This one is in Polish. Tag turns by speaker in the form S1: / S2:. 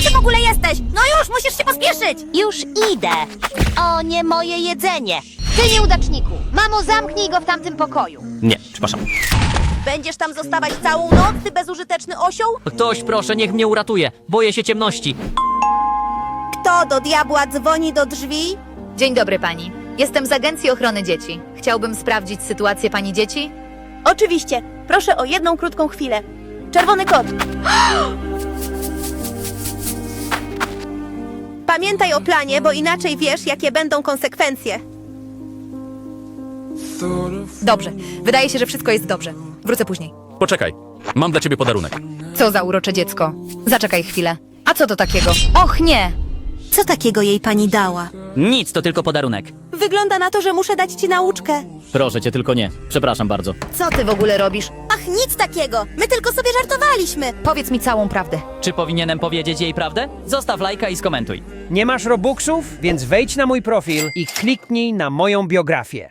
S1: Gdzie ty w ogóle jesteś? No już, musisz się pospieszyć!
S2: Już idę. O, nie moje jedzenie. Ty nieudaczniku. Mamo, zamknij go w tamtym pokoju.
S3: Nie, przepraszam.
S1: Będziesz tam zostawać całą noc, ty bezużyteczny osioł?
S3: Ktoś, proszę, niech mnie uratuje. Boję się ciemności.
S1: Kto do diabła dzwoni do drzwi?
S4: Dzień dobry pani. Jestem z Agencji Ochrony Dzieci. Chciałbym sprawdzić sytuację pani dzieci.
S1: Oczywiście. Proszę o jedną krótką chwilę. Czerwony kot. Pamiętaj o planie, bo inaczej wiesz, jakie będą konsekwencje.
S4: Dobrze. Wydaje się, że wszystko jest dobrze. Wrócę później.
S5: Poczekaj, mam dla ciebie podarunek.
S4: Co za urocze dziecko. Zaczekaj chwilę. A co to takiego? Och nie!
S1: Co takiego jej pani dała?
S3: Nic, to tylko podarunek.
S1: Wygląda na to, że muszę dać ci nauczkę.
S3: Proszę cię, tylko nie. Przepraszam bardzo.
S4: Co ty w ogóle robisz?
S1: Ach, nic takiego. My tylko sobie żartowaliśmy.
S4: Powiedz mi całą prawdę.
S3: Czy powinienem powiedzieć jej prawdę? Zostaw lajka i skomentuj.
S6: Nie masz Robuxów? Więc wejdź na mój profil i kliknij na moją biografię.